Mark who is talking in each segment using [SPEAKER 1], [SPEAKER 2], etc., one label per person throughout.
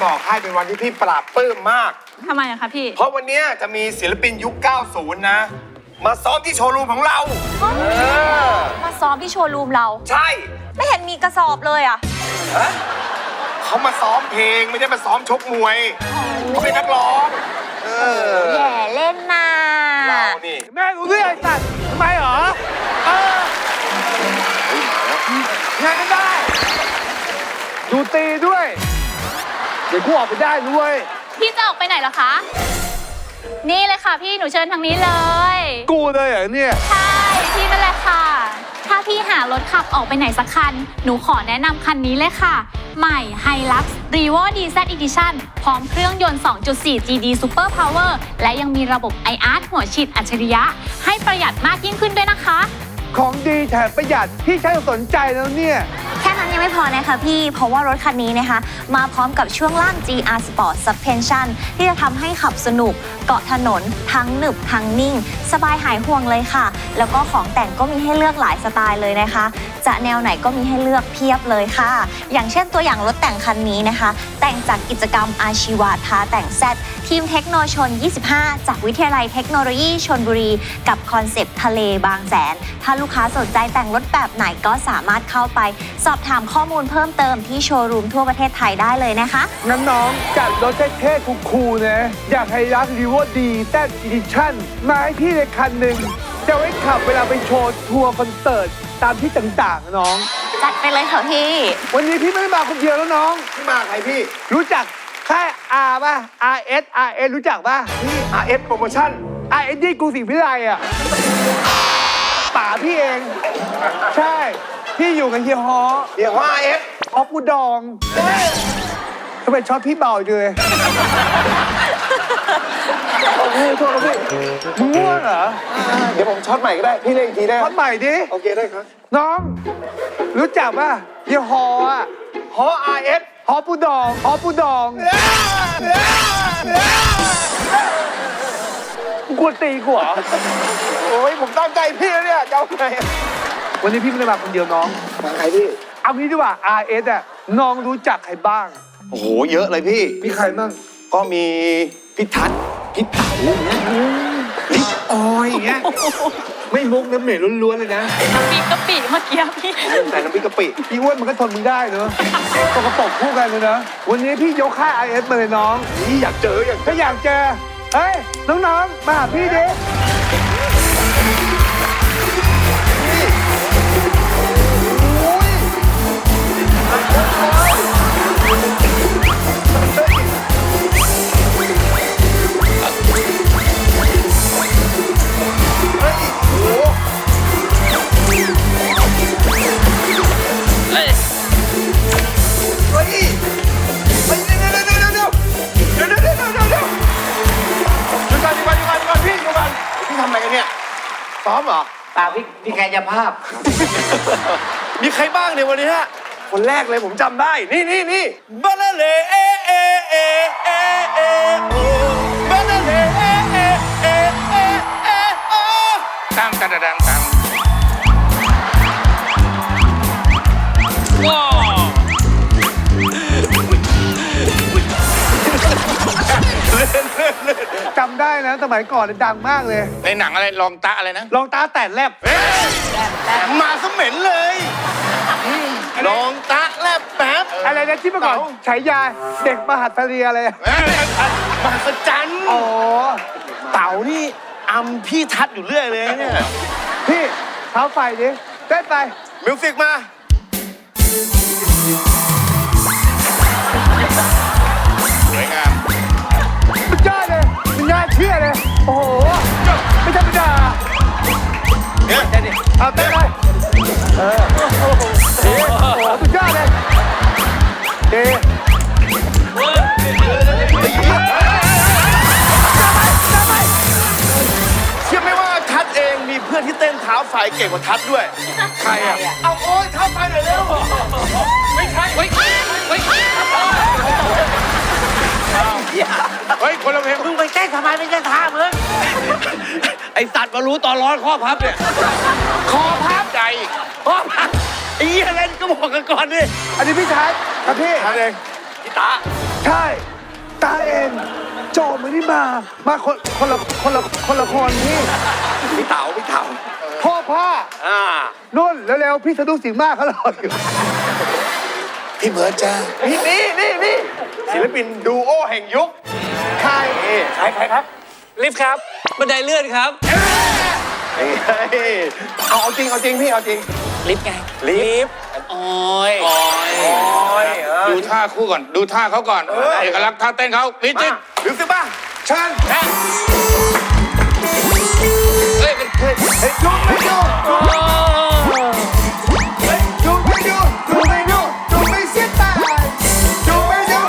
[SPEAKER 1] บอกให้เป็นวันที่พี่ปราบปลื้มมาก
[SPEAKER 2] ทำไมอะคะพี่
[SPEAKER 1] เพราะวันนี้จะมีศิลปินยุค 90 นะ มาซ้อมที่โชว์รูมของเรา
[SPEAKER 3] มาซ้อมที่โชว์รูมเรา
[SPEAKER 1] ใช่
[SPEAKER 3] ไม่เห็นมีกระสอบเลยอ่ะ
[SPEAKER 1] เขามาซ้อมเพลงไม่ได้มาซ้อมชกมวยเขาเป็นนักร้อง
[SPEAKER 3] แย่เล่นน่ะ
[SPEAKER 1] เรานี่
[SPEAKER 4] แม่รู้เรื่องไอ้สัตว์ทำไมเหรองานก็ได้ ดูตีด้วย เดี๋ยวกูออกไปได้ด้วย
[SPEAKER 2] พี่จะออกไปไหนเหรอคะ นี่เลยค่ะพี่หนูเชิญทางนี้เลย
[SPEAKER 4] กูเลยเหรอเนี่ย
[SPEAKER 2] ใช่พี่นั่นแหละค่ะ ถ้าพี่หารถขับออกไปไหนสักคัน หนูขอแนะนำคันนี้เลยค่ะ ใหม่ Hilux Revo DZ Edition พร้อมเครื่องยนต์ 2.4 GD Super Power และยังมีระบบ iArt หัวฉีดอัจฉริยะ ให้ประหยัดมากยิ่งขึ้นด้วยนะคะ
[SPEAKER 4] ของดีแถมประหยัดพี่ใช้สนใจแล้วเนี่ย
[SPEAKER 3] แค่นั้นยังไม่พอนะคะพี่ เพราะว่ารถคันนี้นะคะ มาพร้อมกับช่วงล่าง GR Sport Suspension ที่จะทำให้ขับสนุก เกาะถนน ทั้งหนึบทั้งนิ่ง สบายหายห่วงเลยค่ะ แล้วก็ของแต่งก็มีให้เลือกหลายสไตล์เลยนะคะ จะแนวไหนก็มีให้เลือกเพียบเลยค่ะ อย่างเช่นตัวอย่างรถแต่งคันนี้นะคะ แต่งจากกิจกรรมอาชีวะท้าแต่งแซดทีมเทคโนชน 25 จากวิทยาลัยเทคโนโลยีชลบุรี กับคอนเซปต์ทะเลบางแสน ถ้าลูกค้าสนใจแต่งรถแบบไหนก็สามารถเข้าไปสอบถามข้อมูลเพิ่มเติมที่โชว์รูมทั่วประเทศไทยได้เลยนะคะ
[SPEAKER 4] งั้นน้องจัดรถเท่ๆคูลๆนะ อยากให้รักรีโวดีแต้อีดิชั่นมาให้พี่ในคันหนึ่งจะไว้ขับเวลาไปโชว์ทัวร์คอนเสิร์ตตามที่ต่างๆนะน้อง
[SPEAKER 3] จัดไปเลยค่ะพี่
[SPEAKER 4] วันนี้พี่ไม่ได้มาคนเดียวแล้วน้อง
[SPEAKER 1] ที่มาใครพี่
[SPEAKER 4] รู้จักค่าย R ป่ะ RS รู้จักป่ะ
[SPEAKER 1] พี่ RS Promotion
[SPEAKER 4] RS นี่กรุงศรีวิไลอ่ะป๋าพี่เอง ใช่ พี่อยู่กับเฮียฮอ
[SPEAKER 1] เดี๋ยวว่า RS
[SPEAKER 4] ออฟกูดองทำไมช็อตพี่เบาจังเลยโอ้โหโทษครับพี่มึงง่วงเหรอ
[SPEAKER 1] เดี๋ยวผมช็อตใหม่ก็ได้ พี่เล่นอีกทีได้ไหม
[SPEAKER 4] ช็อตใหม่ดิ
[SPEAKER 1] โอเคได้ครับ
[SPEAKER 4] น้อง รู้จักป่ะเฮียฮออ่ะ
[SPEAKER 1] ฮอ RS
[SPEAKER 4] ฮอปูดองฮอปูดองกลัวตีกูเหรอ
[SPEAKER 1] โอ้ยผมตั้งใจพี่แล้วเนี่ยจะเอาไง
[SPEAKER 4] วันนี้พี่ไม่ได้มาคนเดียวน้อง
[SPEAKER 1] มาใครพี่
[SPEAKER 4] เอางี้ดีกว่า RS อ่ะน้องรู้จักใครบ้าง
[SPEAKER 1] โอ้โห เยอะเลยพี่
[SPEAKER 4] มีใครบ้าง
[SPEAKER 1] ก็มีพี่ทัศน์พี่เต๋าอย่างเงี้ยลิปออยอย่างเงี้ย
[SPEAKER 4] ไม่มุกน้ำเหม็นล้วนๆเลยนะ
[SPEAKER 2] กะปิเมื่อกี้พี่
[SPEAKER 1] ใส่น้ำพริกกะปิ
[SPEAKER 4] พี่อ้วนมันก็ทนมึงได้เนอะตกกระปรกคู่กันเลยนะ วันนี้พี่ยกค่าย RS มาเลยน้อง
[SPEAKER 1] นี่อยากเจออยาก
[SPEAKER 4] ถ้าอยากเจอ เฮ้ย น้องๆ มาหาพี่ดิ
[SPEAKER 1] เฮ้ยเฮ้ยเดี๋ยวหยุดก่อนพี่หยุดก่อนพี่ทำอะไรกันเนี่ยซ้อมเหรอ
[SPEAKER 5] ป่าพี่กายภาพ
[SPEAKER 1] มีใครบ้างเนี่ยวันนี้ฮะ คนแรกเลยผมจำได้ นี่บานาเลเอเอเอเอเอโอบานาเลเอเอเอเอเอโอ
[SPEAKER 5] ตั้งดังตั้งว้าว
[SPEAKER 4] จำได้นะ สมัยก่อนเนี่ยดังมากเลย
[SPEAKER 5] ในหนังอะไรลองตะอะไรนะ
[SPEAKER 4] ลองตาแตดแลบ
[SPEAKER 1] มาสเหม็นเลยลองตะแลบแป๊บ
[SPEAKER 4] อะไรนะที่เมื่อก่อนฉายาเด็กมหัศเรียอะไรอะ
[SPEAKER 1] มหัศจรรย์
[SPEAKER 4] อ๋อ
[SPEAKER 1] เต๋านี่อำพี่ทัดอยู่เรื่อยเลยเนี่ย
[SPEAKER 4] พี่เท้าไฟดิเต้นไป
[SPEAKER 1] มิวสิกมา
[SPEAKER 5] สวยงาม
[SPEAKER 4] สุดยอดเลยมันน่าเชื่อเลย โอ้โห ไม่ธรรมดา
[SPEAKER 1] เนี่ย
[SPEAKER 4] เอาเต้นไปโอ้โหสุดยอดเลยเด
[SPEAKER 1] เชื่อไหมว่าทัดเองมีเพื่อนที่เต้นเท้าไฟเก่งกว่าทัดด้วย
[SPEAKER 4] ใครอ่ะ
[SPEAKER 1] เอาโอ้ยเท้าไฟหน่อยเร็ว ไม่ใช่เฮ้ย
[SPEAKER 5] เฮ้ย คนละเพลงมึงไปเต้นทำไมไม่เต้นท่ามึงไอสัตว์มารู้ตอนร้อนข้อพับเนี่ย คอพับใจข้อพับไอ้เหี้ยเล่นก็บอกกันก่อนดิ
[SPEAKER 4] อันนี้พี่ทัศน์ครับพี่
[SPEAKER 1] ทัดเองพี่ตา
[SPEAKER 4] ใช่ ตาเองโจไม่ได้มาคนละคนพี่
[SPEAKER 1] พี่เต๋าพี่เต๋า
[SPEAKER 4] พ่อผ้า นุ่นเร็วๆพี่สะดุ้งสิงห์มากเขารออยู่
[SPEAKER 1] พี่เบิร์ดจ้านี่ศิลปินดูโอแห่งยุคใครใครครับ
[SPEAKER 5] ลิฟต์ครับ บันไดเลื่อนครับ
[SPEAKER 1] เอาจริงพี่เอาจริง
[SPEAKER 5] ลิฟต์ไง
[SPEAKER 1] ลิฟต์
[SPEAKER 5] โอ้ย
[SPEAKER 6] ดูท่าคู่ก่อน ดูท่าเขาก่อน เอกลักษณ์ท่าเต้นเขาลิจิต
[SPEAKER 1] หรือสิบ้าเชิญ
[SPEAKER 6] เฮ้ยเป็น
[SPEAKER 1] เฮ้ยดูไม่ดูเฮ้ยดูไม่เสียตายดูไม่ดู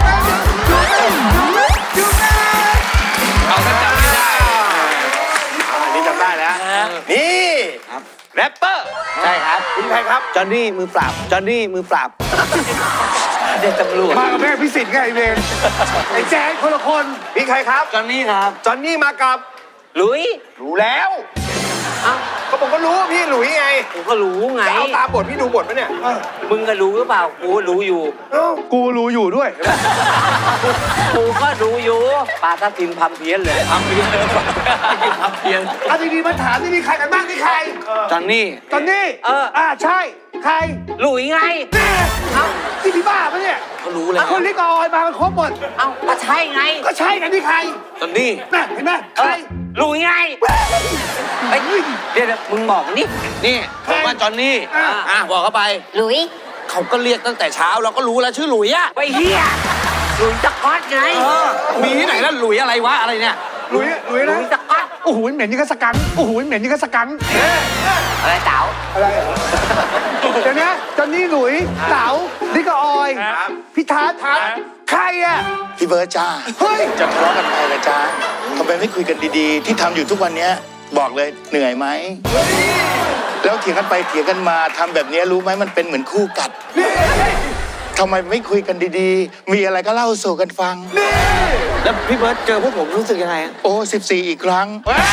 [SPEAKER 6] เอาถ้าจำไม่ได้
[SPEAKER 1] อันนี้จำได้แล้วนี่แรปเปอร์ใช่ครับคุณใครครับ
[SPEAKER 5] จอห์นนี่มือปราบ จอห์นนี่มือปราบ เด็กตำรวจ
[SPEAKER 4] มากับแม่พิสิทธิ์ไงไอ้เวรไอ้แจ๊คคนละคน
[SPEAKER 1] พี่ใครครับ
[SPEAKER 5] จอห์นนี่ครับ
[SPEAKER 1] จอนนี่มากับ
[SPEAKER 5] ลุย
[SPEAKER 1] รู้แล้วเขาบอกก็รู้ว่าพี่หลุยไง
[SPEAKER 5] ผมก็รู้ไง
[SPEAKER 1] จะเอาตามบทพี่ดูบทไหมเนี่ย
[SPEAKER 5] มึงก็รู้หรือเปล่า กูรู้อยู่
[SPEAKER 4] กูรู้อยู่ด้วย
[SPEAKER 5] กูก็รู้อยู่ปลาทับทิมพัมเพี้ยนเลยพัมเพี้ยนเลยพัมเพี้ยน
[SPEAKER 4] เอาดีๆมาถามนี่มีใครกันบ้างนี่ใคร
[SPEAKER 5] จอห์นนี่
[SPEAKER 4] ตอนนี้ ใช่ ใคร
[SPEAKER 5] หลุยไง
[SPEAKER 4] แม่ที่พี่บ้าปะเนี่ย
[SPEAKER 5] เขารู้แล้ว
[SPEAKER 4] คนลิกกับออยมากันครบหมด
[SPEAKER 5] เอ้าก็ใช่ไง
[SPEAKER 4] ก็ใช่กันที่ใคร
[SPEAKER 5] จอห์นนี่
[SPEAKER 4] น่ะเห็นไหมใคร
[SPEAKER 5] หลุยไงเฮ้ยเดี๋ยวมึงบอกนี่
[SPEAKER 6] นี่ผมว่าจอห์นนี่ บอกเข้าไป
[SPEAKER 3] หลุย
[SPEAKER 6] เขาก็เรียกตั้งแต่เช้าเราก็รู้แล้วชื่อหลุยอะ
[SPEAKER 5] ไปเฮียหลุยสก๊อตไง
[SPEAKER 6] มีที่ไหนแล้วหลุยอะไรวะอะไรเนี่ย
[SPEAKER 4] หลุย
[SPEAKER 5] หลุ
[SPEAKER 4] นะ
[SPEAKER 5] ยสก๊อต
[SPEAKER 4] โอ้โหเหม็นยิ่งกระสกันโอ้โหเหม็นยิ่งกระสกัน
[SPEAKER 5] อะไรเต๋า
[SPEAKER 4] อะไรเดี๋ยวนะตอนนี้หลุยเต๋าลิกกับออยพี่ทัศน์ใครอ่ะ
[SPEAKER 7] พี่เบิร์ดจ้า
[SPEAKER 4] เฮ้ย
[SPEAKER 7] จะทะเลาะกันไปเหรอจ้าทำไมไม่คุยกันดีๆ ที่ทำอยู่ทุกวันเนี้ยบอกเลยเหนื่อยไหม แล้วเถียงกันไปเถียงกันมาทำแบบเนี้ยรู้ไหมมันเป็นเหมือนคู่กัดทำไมไม่คุยกันดีๆ มีอะไรก็เล่าสู่กันฟัง
[SPEAKER 5] แล้วพี่เบิร์ตเจอพวกผมรู้สึกยังไง
[SPEAKER 7] โอ้14 อีกครั้ง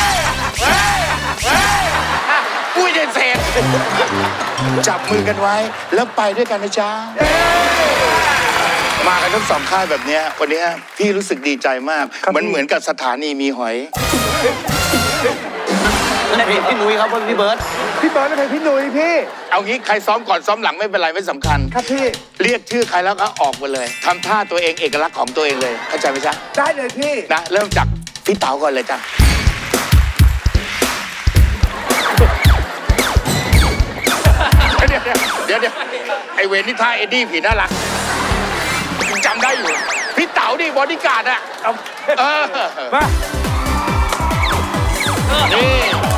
[SPEAKER 6] อุ้ยเด็ดเศษ
[SPEAKER 7] จับมือกันไว้ แล้วไปด้วยกันนะจ๊ะมากันทั้งสองค่ายแบบเนี้ยวันเนี้ยพี่รู้สึกดีใจมาก มันเหมือนกับสถานีมีหอย
[SPEAKER 5] แล้วพี่นุ้ยครับพี่เบิร์ต
[SPEAKER 4] พี่เบิร์ดเป็นพี่หนุ่ยพี่
[SPEAKER 7] เอางี้ใครซ้อมก่อนซ้อมหลังไม่เป็นไรไม่สำคัญ
[SPEAKER 4] ครับพี่
[SPEAKER 7] เรียกชื่อใครแล้วก็ออกมาเลยทำท่าตัวเองเอกลักษณ์ของตัวเองเลยเข้าใจไหมจ๊ะ
[SPEAKER 4] ได้เลยพี่
[SPEAKER 7] นะเริ่มจากพี่เต๋าก่อนเลยจ้ะเดี๋ยวไอเวรนี่ท่าเอ็ดดี้ผีน่ารักจำได้อยู่พี่เต๋าดิบอดี้การ์ดอะมานี่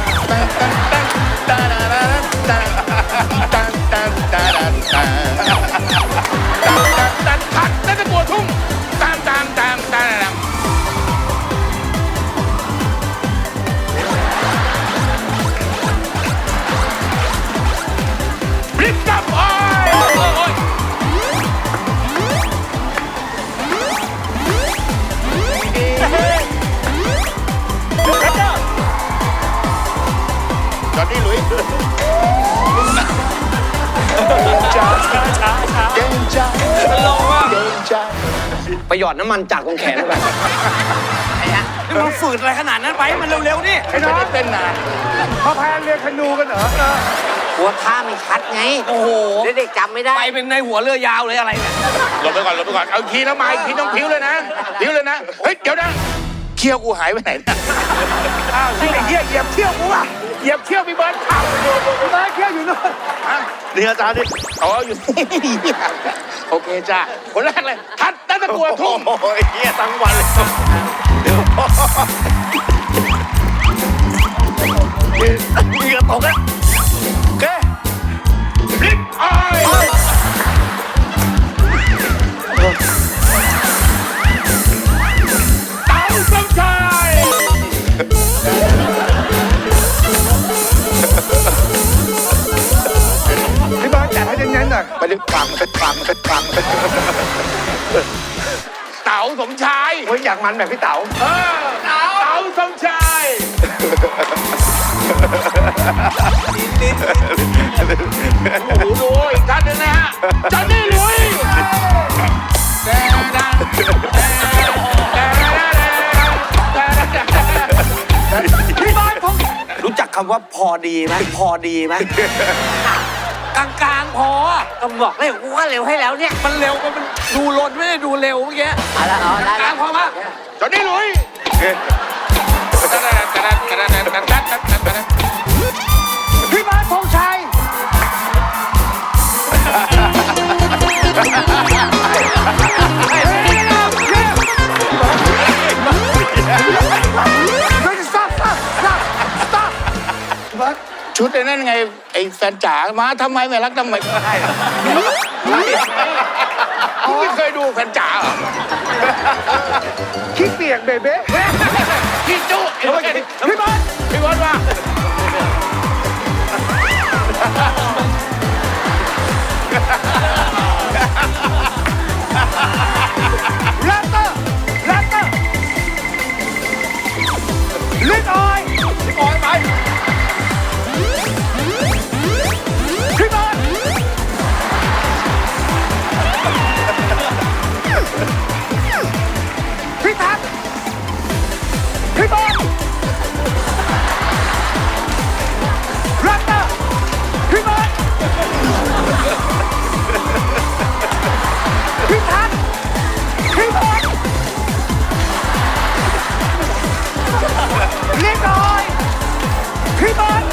[SPEAKER 7] ทักนั่นก็ตัวทุ่งตามริบกับอ้อยจอห์นนี่หลุยเก่งจัง
[SPEAKER 5] ลงว่า
[SPEAKER 7] เก่งจัง
[SPEAKER 5] ไปหยอดน้ำมันจากตรงแขนไปนี่มันฝืดอะไรขนาดนั้นไปมันเร็วๆนี่
[SPEAKER 4] ไอ้น้อง
[SPEAKER 7] เต้นนาน
[SPEAKER 4] พอพายเรือคนูกันเหรอ
[SPEAKER 5] หัวท่าไม่ชัดไง โอ้โห เด็กๆจำไม่ได้ ไปเป็นในหัวเรือยาวเลยอะไรเนี่ย
[SPEAKER 7] หลบไปก่อนเอาอีกทีแล้วมาอีกทีต้องพิ้วเลยนะเฮ้ยเดี๋ยวนะเขี้ยวกูหายไปไหนนะ
[SPEAKER 4] อ้าวที่ไอ้เหี้ยเหยียบเที่ยวกูอ่ะเหยียบเที่ยวพี่เบิร์ดขับพี่เบิร์ดเที่ยวอยู่นู่น
[SPEAKER 7] นี่อาจารย์ดิอ๋ออยู่นี่โอเคจ้าคนแรกเลยทัดนั่นตะกัวทุ่ม
[SPEAKER 1] โอ้ยเฮียทั้งวันเลยเหงื่อตกอะโอเค
[SPEAKER 7] ริบอ้อยเต๋าสมชาย
[SPEAKER 4] พี่เบิร์ดจัดให้เน้นๆหน่อย
[SPEAKER 7] ไปดิฟัง เต๋าสมชาย
[SPEAKER 1] เฮ้ยอยากมันแบบพี่เต๋า
[SPEAKER 7] เต๋าสมชายโอ้โหดูอีกท่านหนึงนะฮะจอห์นนี่หลุย
[SPEAKER 1] พี่บอลผมรู้จักคำว่าพอดีไหมพอดีไหม
[SPEAKER 5] กลางๆพอก็บอกเร็วกูว่าเร็วให้แล้วเนี่ย
[SPEAKER 1] มันเร็วมันดูลนไม่ได้ดูเร็วเมื่อกี้
[SPEAKER 5] เอาละเอาได้
[SPEAKER 1] กลางพอมา
[SPEAKER 6] จอนนี่หลุย
[SPEAKER 1] พี่บอลธงชัย
[SPEAKER 7] ชุดไอ้นั่นไงไอ้แฟนจ๋ามาทำไมไม่รักทำไมไม่เคยดูแฟนจ๋าเหรอ
[SPEAKER 4] ขี้เปียกเบเบ้
[SPEAKER 6] พี่จุ๊
[SPEAKER 1] พี่บอล
[SPEAKER 6] พี่บอลว่า
[SPEAKER 1] แรปเตอร์ลิดออยไปพี่บอลพี่ทักพี่บอลแรปเตอร์พี่บอลพี่ทักพี่บอลลิดออยพี่บอล